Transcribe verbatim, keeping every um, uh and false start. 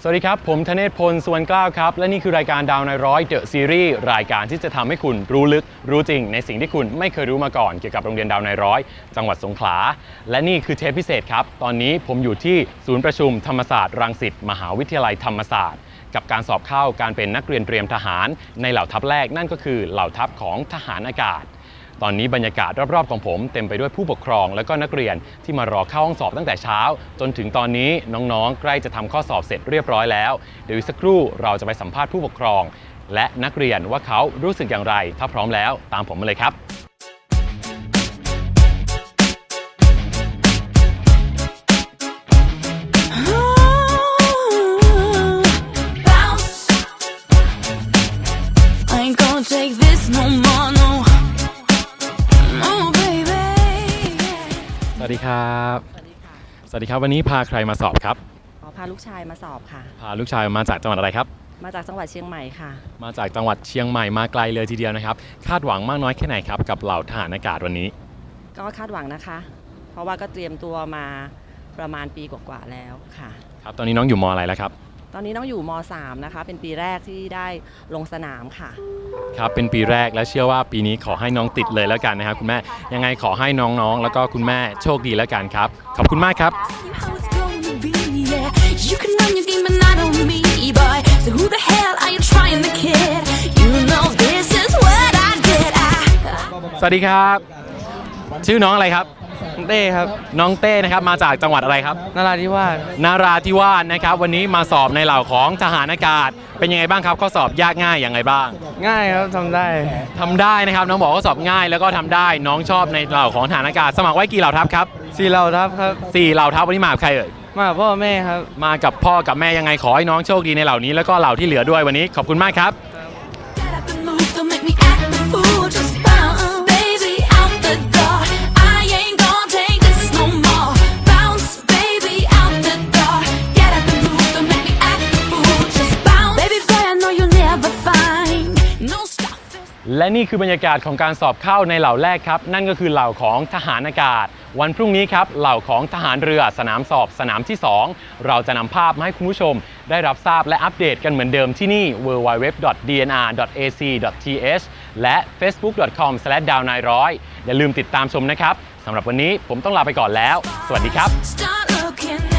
สวัสดีครับผมธเนศพล สุวรรณกล้าวครับและนี่คือรายการดาวนายร้อยเดอะซีรีส์รายการที่จะทำให้คุณรู้ลึกรู้จริงในสิ่งที่คุณไม่เคยรู้มาก่อนเกี่ยวกับโรงเรียนดาวนายร้อยจังหวัดสงขลาและนี่คือเทปพิเศษครับตอนนี้ผมอยู่ที่ศูนย์ประชุมธรรมศาสตร์รังสิตมหาวิทยาลัยธรรมศาสตร์กับการสอบเข้าการเป็นนักเรียนเตรียมทหารในเหล่าทัพแรกนั่นก็คือเหล่าทัพของทหารอากาศตอนนี้บรรยากาศรอบๆของผมเต็มไปด้วยผู้ปกครองและก็นักเรียนที่มารอเข้าห้องสอบตั้งแต่เช้าจนถึงตอนนี้น้องๆใกล้จะทำข้อสอบเสร็จเรียบร้อยแล้วเดี๋ยวอีกสักครู่เราจะไปสัมภาษณ์ผู้ปกครองและนักเรียนว่าเขารู้สึกอย่างไรถ้าพร้อมแล้วตามผมมาเลยครับสวัสดีครับสวัสดีครับวันนี้พาใครมาสอบครับอ๋อพาลูกชายมาสอบค่ะพาลูกชายมาจากจังหวัดอะไรครับมาจากจังหวัดเชียงใหม่ค่ะมาจากจังหวัดเชียงใหม่มาไกลเลยทีเดียวนะครับคาดหวังมากน้อยแค่ไหนครับกับเหล่าทหารอากาศวันนี้ก็คาดหวังนะคะเพราะว่าก็เตรียมตัวมาประมาณปีกว่าๆแล้วค่ะครับตอนนี้น้องอยู่ม.อะไรแล้วครับตอนนี้น้องอยู่ม.สามนะคะเป็นปีแรกที่ได้ลงสนามค่ะครับเป็นปีแรกและเชื่อว่าปีนี้ขอให้น้องติดเลยแล้วกันนะครับคุณแม่ยังไงขอให้น้องๆแล้วก็คุณแม่โชคดีแล้วกันครับขอบคุณมากครับสวัสดีครับชื่อน้องอะไรครับเต้ครับน้องเต้นะครับมาจากจังหวัดอะไรครับนราธิวาสนราธิวาสนะครับวันนี้มาสอบในเหล่าของทหารอากาศเป็นยังไงบ้างครับข้อสอบยากง่ายอย่างไรบ้างง่ายครับทำได้ทำได้นะครับน้องบอกว่าสอบง่ายแล้วก็ทำได้น้องชอบในเหล่าของทหารอากาศสมัครไว้กี่เหล่าทัพครับสี่เหล่าทัพครับสี่เหล่าทัพวันนี้มากับใครเอ่ยมาพ่อแม่ครับมากับพ่อกับแม่ยังไงขอให้น้องโชคดีในเหล่านี้แล้วก็เหล่าที่เหลือด้วยวันนี้ขอบคุณมากครับและนี่คือบรรยากาศของการสอบเข้าในเหล่าแรกครับนั่นก็คือเหล่าของทหารอากาศวันพรุ่งนี้ครับเหล่าของทหารเรือสนามสอบสนามที่สองเราจะนำภาพมาให้คุณผู้ชมได้รับทราบและอัปเดตกันเหมือนเดิมที่นี่ ดับเบิลยู ดับเบิลยู ดับเบิลยู ดอท ดี เอ็น อาร์ ดอท เอ ซี ดอท ที เอช และ เฟซบุ๊ก ดอท คอม สแลช ดาวนายร้อย อย่าลืมติดตามชมนะครับสำหรับวันนี้ผมต้องลาไปก่อนแล้วสวัสดีครับ